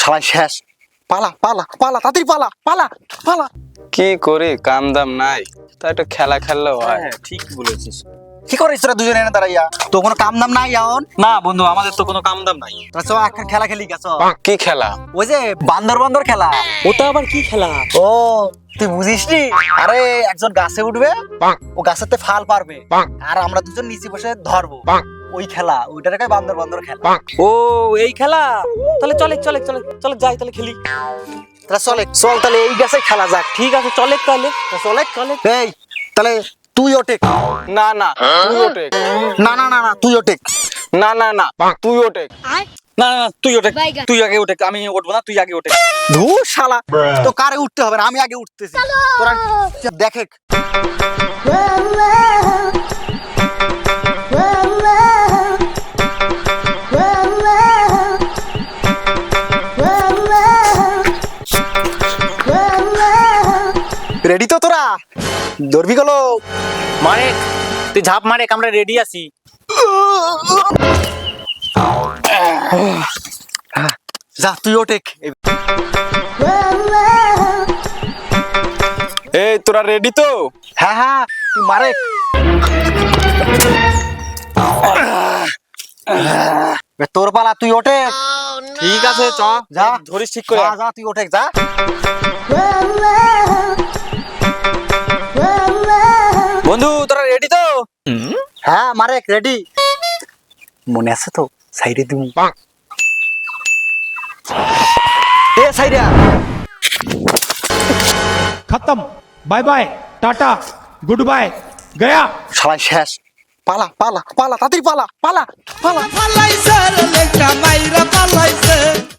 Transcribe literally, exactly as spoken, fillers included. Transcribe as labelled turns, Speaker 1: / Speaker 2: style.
Speaker 1: সবাই শেষ। পালা পালা পালা তাড়াতাড়ি পালা পালা পালা।
Speaker 2: কি করি, কাম দাম নাই, তা একটু খেলা খেললেও হয়।
Speaker 3: হ্যাঁ ঠিক বলেছিস।
Speaker 1: কি করিস তোরা দুজনে এনে দাঁড়াইয়া? তো কোনো কাম দাম নাই এখন?
Speaker 3: না বন্ধু, আমাদের তো কোনো কাম দাম নাই।
Speaker 1: তোরা চল এখন খেলা খেলি গেছ।
Speaker 2: কি খেলা?
Speaker 1: ওই যে বান্দর বান্দর খেলা।
Speaker 3: ওটা আবার কি খেলা?
Speaker 1: ও তুই বুঝিস নি? আরে একজন গাছে উঠবে, ও গাছেতে ফাল পারবে, আর আমরা দুজন নিচে বসে ধরবো। ওই খেলা, ওইটাকে বান্দর বান্দর খেলা।
Speaker 3: ও এই খেলা, তাহলে চলে চলে চলে চলে যাই তাহলে খেলি।
Speaker 1: তাহলে চলে চল, তাহলে এই গাছে খেলা যাক।
Speaker 3: ঠিক আছে চলে তাহলে।
Speaker 1: তো চলে চলে। এই তাহলে তুই ওঠে।
Speaker 2: না না তুই ওঠে।
Speaker 1: না না না না তুই ওঠে।
Speaker 2: না না না তুই ওঠে।
Speaker 3: না না তুই ওঠে, তুই আগে ওঠে, আমি উঠবো না, তুই আগে ওঠে।
Speaker 1: ধুর শালা, তো কারে উঠতে হবে না, আমি আগে উঠতেছি। তোরা দেখে রেডি তো তোরা? ধরবি গেল
Speaker 3: মারে তুই ঝাঁপ মারে, আমরা রেডি আছি।
Speaker 1: যা তুই ওঠে।
Speaker 2: এই তোরা রেডি তো?
Speaker 1: হ্যাঁ হ্যাঁ তুই মারে। তোর পালা, তুই ওঠে।
Speaker 3: ঠিক আছে চ
Speaker 1: যা
Speaker 3: ধরিস ঠিক করে।
Speaker 1: যা যা তুই ওঠে যা।
Speaker 3: বন্ধু তোরা রেডি তো?
Speaker 1: হ্যাঁ মারে রেডি। মনে আছে তো? সাইডে দিমু। এ সাইডে
Speaker 4: खत्म। Bye bye, tata, goodbye, गया।
Speaker 1: সবাই শেষ। পালা পালা পালা তাড়াতাড়ি পালা পালা পালা।
Speaker 5: পালাইছে রে লেখা মাইরা পালাইছে।